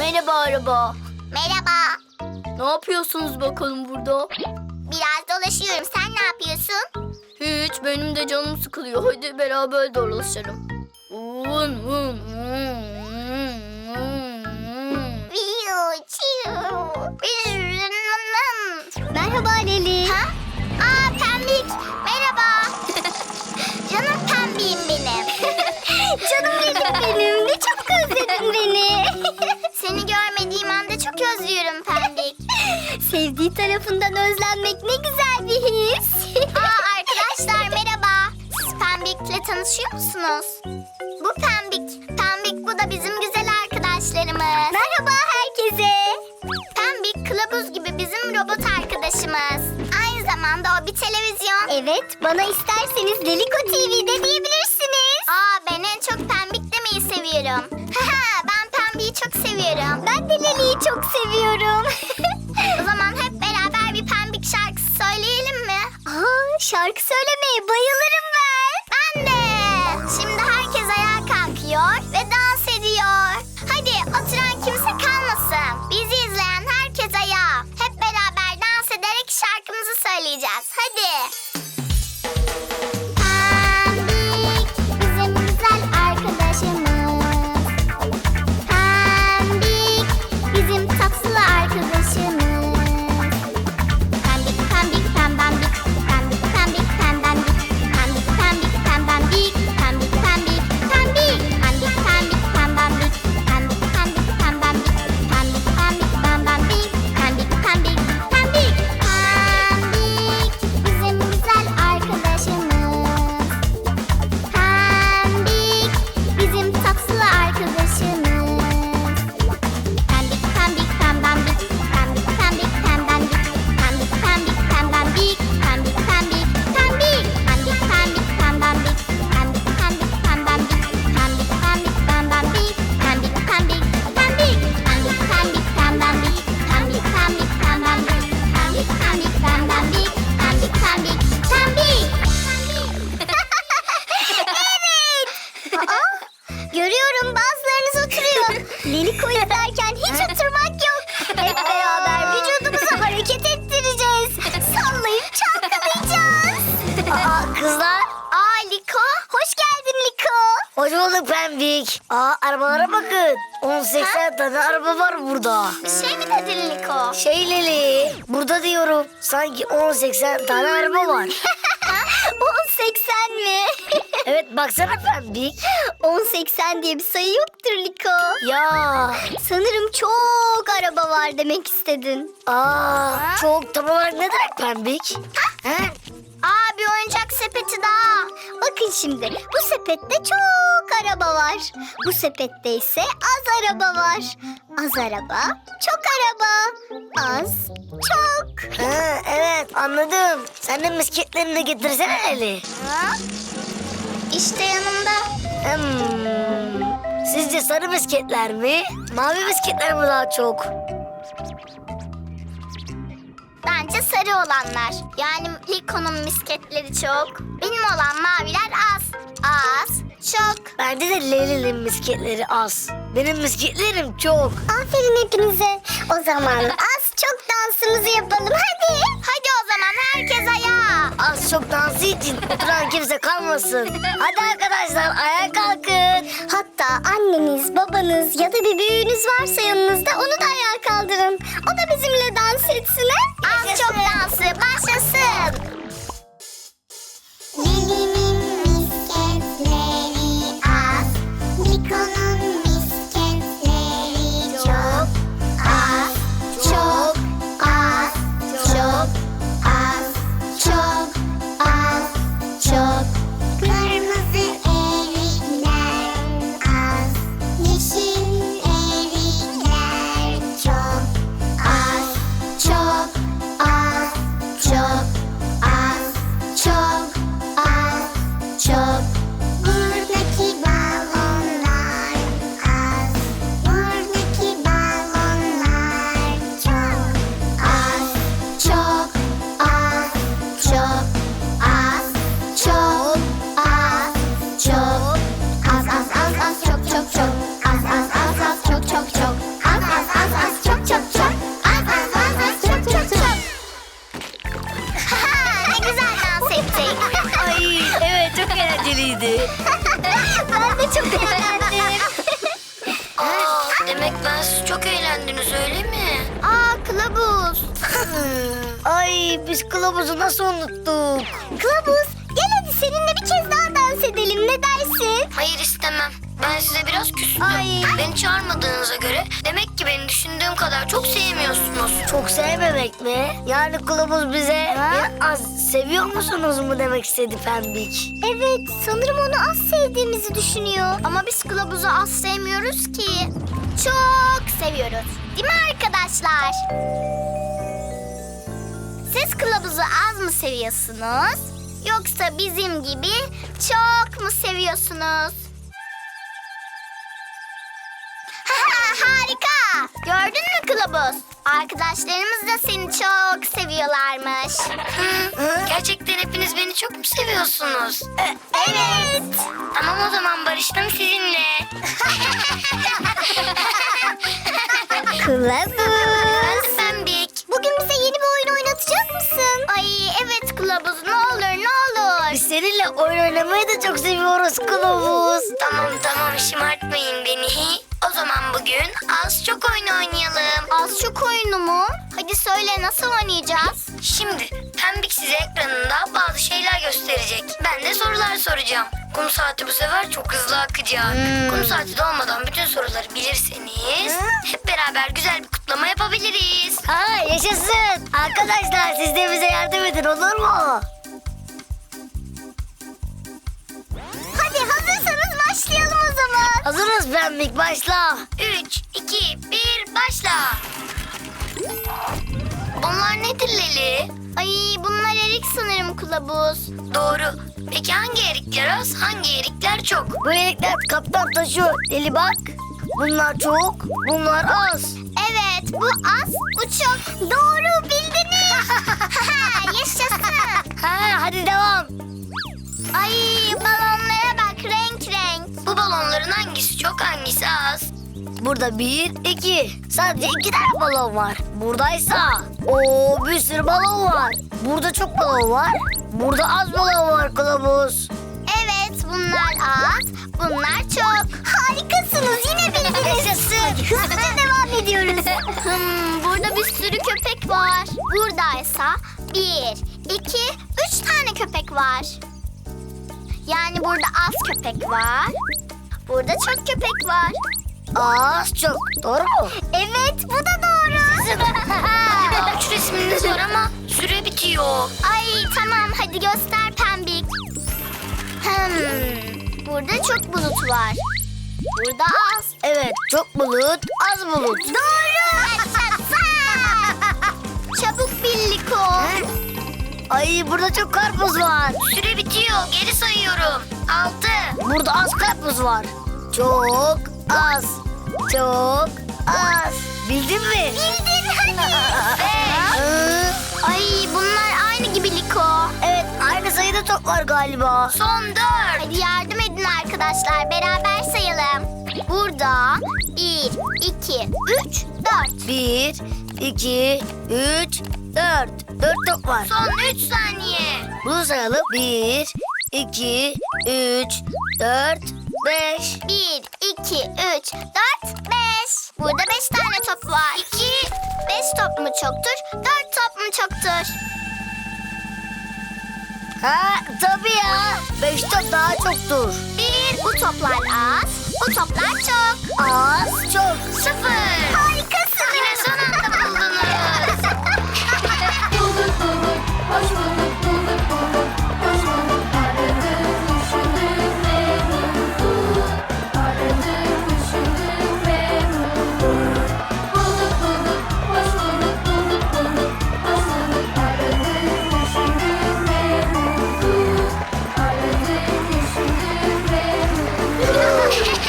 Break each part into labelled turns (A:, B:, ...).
A: Merhaba araba.
B: Merhaba.
A: Ne yapıyorsunuz bakalım burada?
B: Biraz dolaşıyorum. Sen ne yapıyorsun?
A: Hiç, benim de canım sıkılıyor. Hadi beraber dolaşalım.
B: Merhaba Leli. Ha? Aa Pembik. Merhaba. Canım Pembiğim benim. Canım Leli'm benim. Ne çok özledin beni. Seni görmediğim anda çok özlüyorum Pembik. Sevdiği tarafından özlenmek ne güzel bir his. Aa arkadaşlar merhaba. Siz Pembik'le tanışıyor musunuz? Bu Pembik. Pembik bu da bizim güzel arkadaşlarımız. Merhaba herkese. Pembik kılavuz gibi bizim robot arkadaşımız. Aynı zamanda o bir televizyon. Evet, bana isterseniz Leliko TV'de diyebilirsiniz. Aa ben en çok Pembik demeyi seviyorum. Ben Pembik'i çok seviyorum. Ben de Leli'yi çok seviyorum. O zaman hep beraber bir Pembik şarkısı söyleyelim mi? Aa şarkı söylemeye bayılırım ben. Ben de. Şimdi herkes ayağa kalkıyor ve dans ediyor. Hadi oturan kimse kalmasın. Bizi izleyen herkes ayağa. Hep beraber dans ederek şarkımızı söyleyeceğiz. Hadi. Pembik bizim güzel arkadaşımız. Pembik bizim tatlı arkadaşımız. Pembik pembik pembembik. Pembik pembik pembembik. Pembik pembik pembembik. Pembik pembik pembik. Pembik pembik pembembik. Pembik pembik pembembik. Pembik pembik pembembik. Pembik pembik pembik. Pembik bizim güzel arkadaşımız. Pembik bizim tatlı arkadaşımız. Pembik pembik pembembik. Pembik pembik pembembik. Pembik pembik pembembik. Pembik pembik pembik. Pembik pembik pembembik. Pembik pembik pembembik. Pembik pembik pembembik. Pembik pembik pembik. Pembik pembik pembembik. Pembik pembik pembembik. Pembik pembik pembembik. Pembik pembik pembik. Evet. Aa, görüyorum bazılarınız oturuyor. Leliko izlerken hiç oturmak yok. Hep beraber vücudumuzu hareket ettireceğiz. Sallayıp çalkalayacağız.
C: Aa kızlar.
B: Aa Liko, hoş geldin Liko.
C: Hoş bulduk Pembik. Aa arabalara bakın. 18 tane araba var burada.
B: Bir şey mi dedin Liko?
C: Leli. Burada diyorum. Sanki 18 tane araba var.
B: 1080 mi?
C: Evet baksana Pembik.
B: 1080 diye bir sayı yoktur Liko.
C: Ya.
B: Sanırım çok araba var demek istedin.
C: Aa çok tam olarak ne demek Pembik? Ha?
B: Aa bir oyuncak sepeti daha. Bakın şimdi bu sepette çok araba var. Bu sepette ise az araba var. Az araba, çok araba. Az, çok.
C: Ha, evet anladım. Sen de misketlerini de getirsene Leli.
B: Ha? İşte yanımda.
C: Sizce sarı misketler mi? Mavi misketler mi daha çok?
B: Bence sarı olanlar. Yani Liko'nun misketleri çok. Benim olan maviler az. Az, çok.
C: Bence de Leli'nin misketleri az. Benim misketlerim çok.
B: Aferin hepinize. O zaman az çok dansımızı yapalım hadi. Hadi o zaman herkes ayağa.
C: Az çok dansı için oturan kimse kalmasın. Hadi arkadaşlar ayağa kalkın.
B: Hatta anneniz, babanız ya da bir büyüğünüz varsa yanınızda onu da ayağa kaldırın. O da bizimle dans etsin ha? Az çok dansı başlasın. Lili'nin misketleri az. Liko'nun misketleri çok. Az, çok, az, çok, az, çok, az, çok. Kırmızı erikler az. Yeşil erikler çok. Az, çok, az, çok, az.
C: eğlenceliydi.
B: Ben de çok eğlendim.
A: Demek ben siz çok eğlendiniz öyle mi?
B: Aa kılavuz.
C: Ay biz kılavuzu nasıl unuttuk?
B: Kılavuz gel hadi seninle bir kez daha dans edelim, ne dersin?
A: Hayır istemem. Ben size biraz küstüm.
B: Ay.
A: Beni çağırmadığınıza göre demek ki beni düşündüğüm kadar çok sevmiyorsunuz.
C: Çok sevmemek mi? Yani kılavuz bize az seviyor musunuz mu demek istedi Pembik?
B: Evet, sanırım onu az sevdiğimizi düşünüyor. Ama biz kılavuzu az sevmiyoruz ki. Çok seviyoruz. Değil mi arkadaşlar? Siz kılavuzu az mı seviyorsunuz? Yoksa bizim gibi çok mu seviyorsunuz? Harika! Gördün mü kılavuz? Arkadaşlarımız da seni çok seviyorlarmış.
A: Gerçekten hepiniz beni çok mu seviyorsunuz?
B: Evet.
A: Tamam o zaman barıştım sizinle.
B: Kılavuz.
A: Ben Pembik.
B: Bugün bize yeni bir oyun oynatacak mısın? Ay evet kılavuz, ne olur ne olur.
C: Biz seninle oyun oynamayı da çok seviyoruz kılavuz.
A: Tamam şımartmayın beni. O zaman bugün az çok oyun oynayalım.
B: Az çok oyunu mu? Hadi söyle, nasıl oynayacağız?
A: Şimdi Pembik size ekranında bazı şeyler gösterecek. Ben de sorular soracağım. Kum saati bu sefer çok hızlı akacak. Kum saati dolmadan bütün soruları bilirseniz hep beraber güzel bir kutlama yapabiliriz.
C: Ha yaşasın. Arkadaşlar siz de bize yardım edin olur mu?
B: Hadi hazırsanız başlayalım o zaman.
C: Hazırız Pembik başla.
A: 3, 2, 1 başla. Onlar nedir Leli?
B: Ay bunlar erik sanırım kılavuz.
A: Doğru. Peki hangi erikler az, hangi erikler çok?
C: Bu erikler kaptan taşıyor. Deli bak. Bunlar çok, bunlar az.
B: Evet, bu az, bu çok. Doğru bildiniz. Yaşasın.
C: Ha hadi devam.
B: Ay balonlara bak, renk renk.
A: Bu balonların hangisi çok, hangisi az?
C: Burada 1, 2. Sadece 2 tane balon var. Buradaysa bir sürü balon var. Burada çok balon var. Burada az balon var kılavuz.
B: Evet, bunlar az, bunlar çok. Harikasınız, yine bildiniz.
C: Yaşasın.
B: Hızlıca devam ediyoruz. Burada bir sürü köpek var. Buradaysa 1, 2, 3 tane köpek var. Yani burada az köpek var. Burada çok köpek var.
C: Az çok. Doğru mu?
B: Evet, bu da doğru.
A: Daha 3 resminiz var ama süre bitiyor.
B: Ay tamam, hadi göster Pembik. Burada çok bulut var. Burada az.
C: Evet çok bulut, az bulut.
B: Doğru. Çabuk bil Liko.
C: Ay burada çok karpuz var.
A: Süre bitiyor. Geri sayıyorum. 6.
C: Burada az karpuz var. Çok az. Çok az. Bildin mi?
B: Bildin hadi. Ay bunlar aynı gibi Liko.
C: Evet aynı sayıda top var galiba.
A: Son 4.
B: Hadi yardım edin arkadaşlar, beraber sayalım. Burada 1, 2, 3, 4.
C: 1, 2, 3, 4. 4 top var.
A: Son 3 saniye.
C: Bunu sayalım. 1, 2, 3, 4, 5.
B: 1, 2, 3, 4, 5. Burada 5 tane top var. 2, 5 top mu çoktur, 4 top mu çoktur?
C: Ha tabii ya. 5 top daha çoktur.
B: 1, bu toplar az, bu toplar çok.
C: Az çok.
A: 0.
B: Harikasın.
A: Yine son anda buldunuz.
D: Bulduk bulduk, hoş bulduk, bulduk bulduk, hoş bulduk. Aradık, düşündük ve bulduk. Aradık, düşündük ve bulduk. Bulduk bulduk, hoş bulduk, bulduk bulduk, hoş bulduk. Aradık, düşündük ve bulduk. Aradık, düşündük ve bulduk.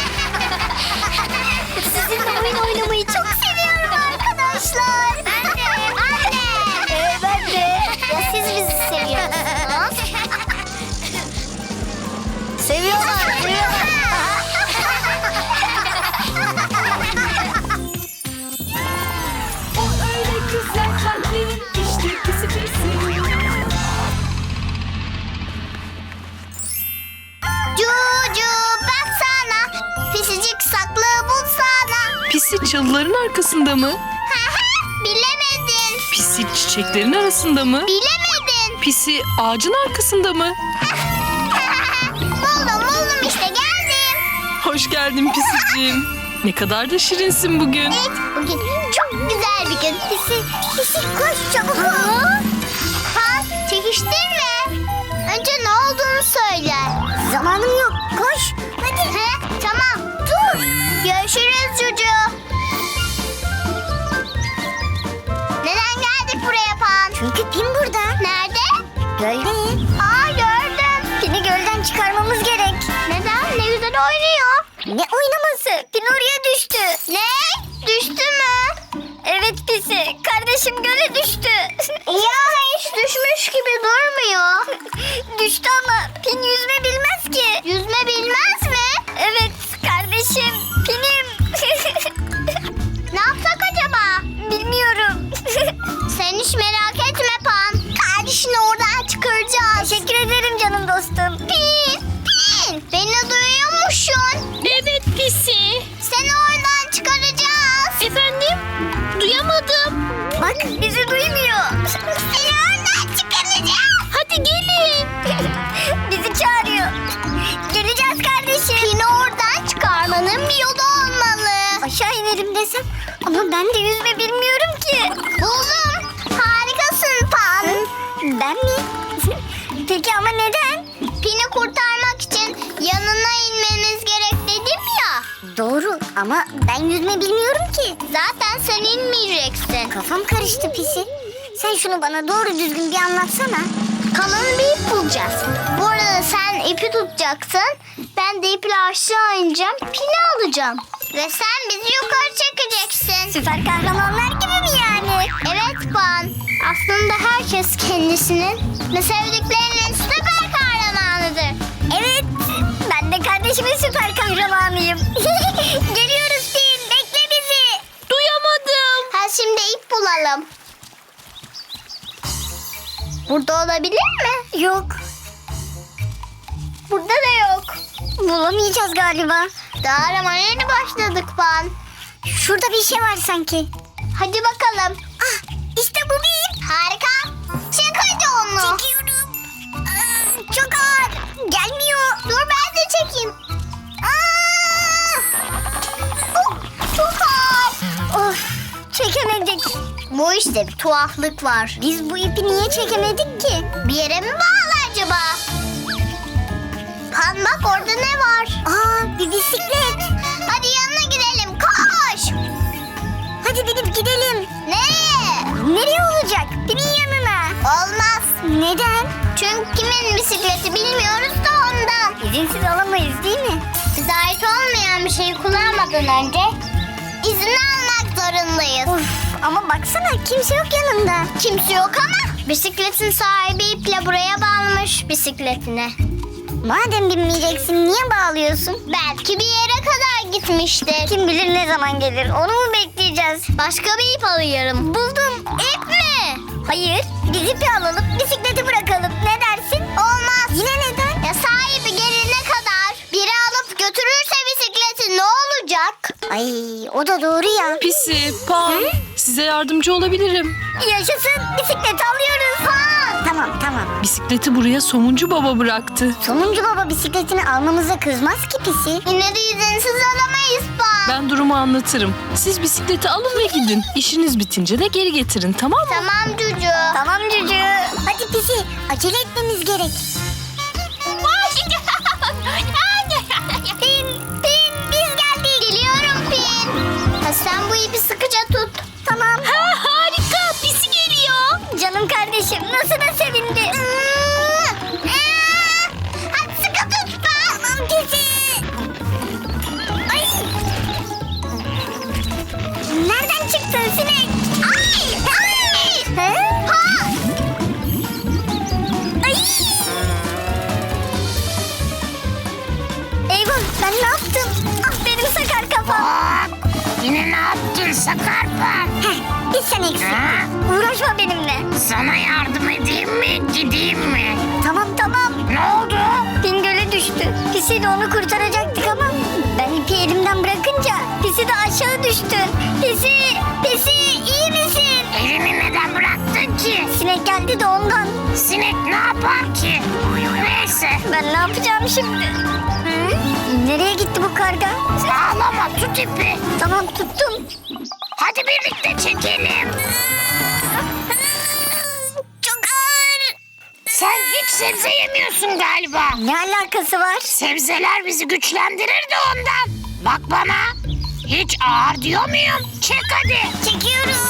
B: Sizinle oyun oynamayı çok seviyorum arkadaşlar. Ben de.
C: Ben de.
B: Ya siz bizi seviyor musunuz?
C: Seviyorlar. Seviyorlar.
D: O öyle güzel kalpli, işte pisi pisi.
E: Pisi çalıların arkasında mı?
B: Bilemedin.
E: Pisi çiçeklerin arasında mı?
B: Bilemedin.
E: Pisi ağacın arkasında mı?
B: buldum işte geldim.
E: Hoş geldin Pisiciğim. Ne kadar da şirinsin bugün.
B: Evet, bugün çok güzel bir gün. Pisi koş çabuk ol. Pan, çekiştirme. Önce ne olduğunu söyle. Zamanım yok, koş. Hadi. Tamam, dur. Görüşürüz Cucu. Neden geldik buraya Pan? Çünkü Pin burada. Nerede? Gölde. Gördüm. Pin'i gölden çıkarmamız gerek. Neden? Ne güzel oynuyor. Ne oynaması? Pin oraya düştü. Ne? Düştü mü? Evet Pisi. Kardeşim göle düştü. Ya hiç düşmüş gibi durmuyor. Düştü ama Pin yüzme bilmez ki. Yüzme bilmez mi? Evet kardeşim. Pin'im. Ne yapsak acaba? Bilmiyorum. Sen hiç merak etme Pan. Kardeşini oradan çıkaracağız. Teşekkür ederim canım dostum. Pin. Beni duyuyor musun?
E: Evet Pisi.
B: Seni oradan çıkaracağız.
E: Efendim? Duyamadım.
B: Bak bizi duymuyor. Seni oradan çıkaracağız.
E: Hadi gelin.
B: Bizi çağırıyor. Geleceğiz kardeşim. Pin'i oradan çıkarmanın bir yolu olmalı. Aşağı inelim desem ama ben de yüzme bilmiyorum ki. Buldum. Harikasın Pan. Ben mi? Peki ama neden? Pin'i kurtarmak için yanına inmemiz gerek dedim ya. Doğru ama ben yüzme bilmiyorum ki. Zaten sen inmeyeceksin. Kafam karıştı Pisi. Sen şunu bana doğru düzgün bir anlatsana. Kalın bir ip bulacağız. Bu arada sen ipi tutacaksın. Ben de iple aşağı ineceğim. Pini alacağım. Ve sen bizi yukarı çekeceksin. Süper kahramanlar gibi mi yani? Evet Pan. Aslında herkes kendisinin ve sevdiklerinin süper kahramanıdır. Evet. Ben de kardeşimin süper kahramanıyım. Geliyoruz Pin. Bekle bizi.
E: Duyamadım.
B: Şimdi ip bulalım. Burada olabilir mi? Yok. Burada da yok. Bulamayacağız galiba. Daha aramaya yeni başladık Pan. Şurada bir şey var sanki. Hadi bakalım. Ah, işte bu bir ip. Harika. Çek hadi onu. Çekiyorum. Çok ağır. Gelmiyor. Dur ben de çekeyim. Oh, çok ağır. Of, çekemedik. Bu işte bir tuhaflık var. Biz bu ipi niye çekemedik ki? Bir yere mi bağlı acaba? Pan bak orada ne var? Bir bisiklet. Hadi yanına gidelim koş. Hadi binip gidelim. Nereye? Nereye olacak? Pin'in yanına. Olmaz. Neden? Çünkü kimin bisikleti bilmiyoruz da ondan. İzinsiz alamayız değil mi? Bize ait olmayan bir şeyi kullanmadan önce izin almak zorundayız. Ama baksana kimse yok yanında. Kimse yok ama bisikletin sahibi iple buraya bağlamış bisikletine. Madem binmeyeceksin niye bağlıyorsun? Belki bir yere kadar gitmiştir. Kim bilir ne zaman gelir onu mu bekleyeceğiz? Başka bir ip alıyorum. Buldum. İp mi? Hayır. Biz ipi alalım bisikleti bırakalım. Ne dersin? Olmaz. Yine neden? Ya sahibi gelene kadar biri alıp götürürse bisikleti ne olacak? Ay o da doğru ya.
E: Pisi, Pan. Size yardımcı olabilirim.
B: Yaşasın bisikleti alıyoruz. Ha. Tamam.
E: Bisikleti buraya Somuncu Baba bıraktı.
B: Somuncu baba bisikletini almamıza kızmaz ki Pisi. Yine de izinsiz alamayız Pan.
E: Ben durumu anlatırım. Siz bisikleti alın ve gidin. İşiniz bitince de geri getirin, tamam mı?
B: Tamam Cucu. Tamam Cucu. Hadi Pisi acele etmemiz gerek. Pin biz geldik. Geliyorum Pin. Sen bu ipi sıkıca tut. Tamam.
E: Harika, Pisi geliyor.
B: Canım kardeşim nasıl da sevindi. Hadi sıkı tut Pan. Tamam Pisi. Ay. Nereden çıktın sinek? Ay. Ha? Ay. Eyvah ben ne yaptım? Ah benim sakar kafam.
F: Yine ne yaptın Sakarpa?
B: Bir sen eksik. Uğraşma benimle.
F: Sana yardım edeyim mi, gideyim mi?
B: Tamam.
F: Ne oldu?
B: Pin göle düştü. Pisi de onu kurtaracaktık ama ben ipi elimden bırakınca Pisi de aşağı aşağı düştün. Pisi iyi misin?
F: Elini neden bıraktın ki?
B: Sinek geldi de ondan.
F: Sinek ne yapar ki? Neyse.
B: Ben ne yapacağım şimdi? Hı? Nereye gitti bu karga?
F: Ağlama, tut ipi.
B: Tamam tuttum.
F: Hadi birlikte çekelim.
B: Çok ağır.
F: Sen hiç sebze yemiyorsun galiba.
B: Ne alakası var?
F: Sebzeler bizi güçlendirir de ondan. Bak bana. Hiç ağır diyor muyum? Çek hadi.
B: Çekiyorum.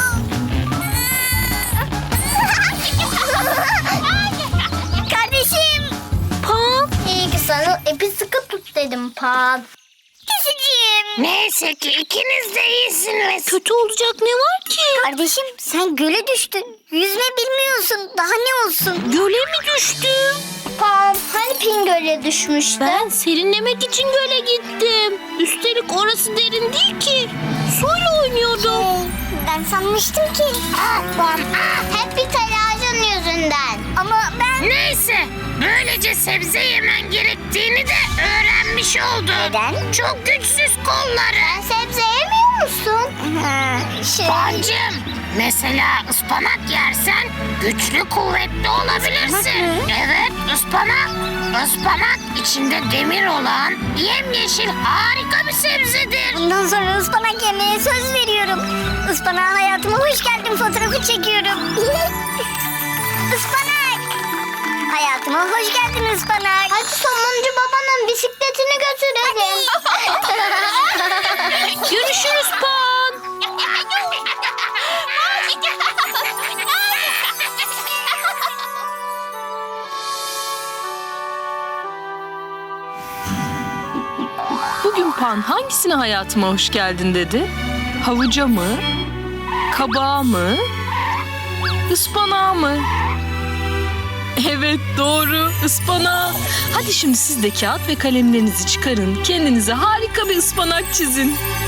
B: Kardeşim.
C: Pan.
B: İyi ki sana ipi sıkı tut dedim Pan. Pisiciğim.
F: Neyse ki ikiniz de iyisiniz.
C: Kötü olacak ne var ki?
B: Kardeşim sen göle düştün. Yüzme bilmiyorsun. Daha ne olsun?
C: Göle mi düştüm?
B: Pan hani Pin göle düşmüştü?
C: Ben serinlemek için göle gittim. Üstelik orası derin değil ki. Suyla oynuyordum.
B: Ben sanmıştım ki.
F: Pan,
B: Hep bir telaşın yüzünden. Ama ben...
F: Neyse. Böylece sebze yemen gerektiğini de öğrenmiş oldun.
B: Neden?
F: Çok güçsüz kolları.
B: Sebze yemiyor musun?
F: Pancım, mesela ıspanak yersen güçlü kuvvetli olabilirsin. Evet, ıspanak. Ispanak içinde demir olan yemyeşil harika bir sebzedir.
B: Bundan sonra ıspanak yemeye söz veriyorum. Ispanağa hayatıma hoş geldin fotoğrafı çekiyorum. Ispanak. Hayatıma hoş geldin ıspanak. Hadi somuncu babanın bisikletini götürelim.
C: Görüşürüz Pan.
E: Bugün Pan hangisine hayatıma hoş geldin dedi? Havuca mı? Kabağa mı? Ispanağa mı? Evet doğru, ıspanağa. Hadi şimdi siz de kağıt ve kalemlerinizi çıkarın. Kendinize harika bir ıspanak çizin.